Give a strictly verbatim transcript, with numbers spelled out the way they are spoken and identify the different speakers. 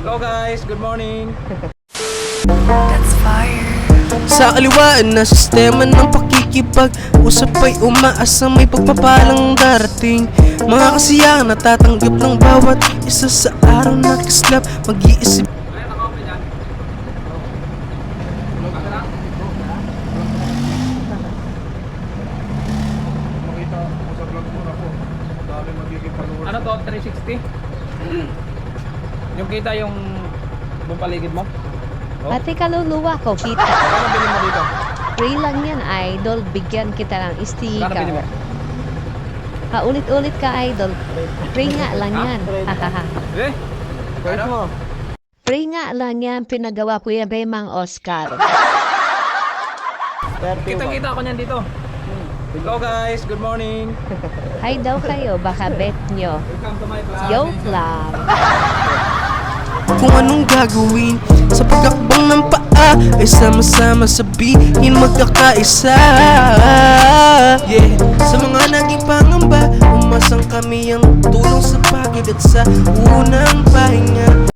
Speaker 1: Hello guys, good morning.
Speaker 2: That's fire.
Speaker 3: Sa kaliwaan na sistema ng pakikipag-usap ay umaasang may pagpapalang darating. Mga kasiyahan natatanggap ng bawat isa sa araw na kislap. Mag-iisip
Speaker 4: Makita mo sa vlog mo na po. Dami magiging followers.
Speaker 1: Ano to, three sixty? Yung kita yung buong paligid mo? Oh.
Speaker 5: Pati kaluluwa ko kita.
Speaker 1: Kano bilhin mo dito?
Speaker 5: Free lang yan, idol. Bigyan kita ng
Speaker 1: Kano
Speaker 5: sticker.
Speaker 1: bilhin mo?
Speaker 5: Paulit-ulit ka, idol. Free nga lang yan. Hahaha.
Speaker 1: Eh? Ano?
Speaker 5: Free nga lang yan. Pinagawa ko yan, Bemang Oscar.
Speaker 1: Kita-kita ako niyan dito. Hello guys, good morning.
Speaker 5: Hi daw kayo, baka bet nyo.
Speaker 1: Welcome to my vlog.
Speaker 5: Joke lang.
Speaker 3: kung anong gagawin sa pagkakbang ng paa ay sama-sama sabihin magkakaisa. Yeah, sa mga naging pangamba umasang kami ang tulong sa pagod at sa unang pahinga.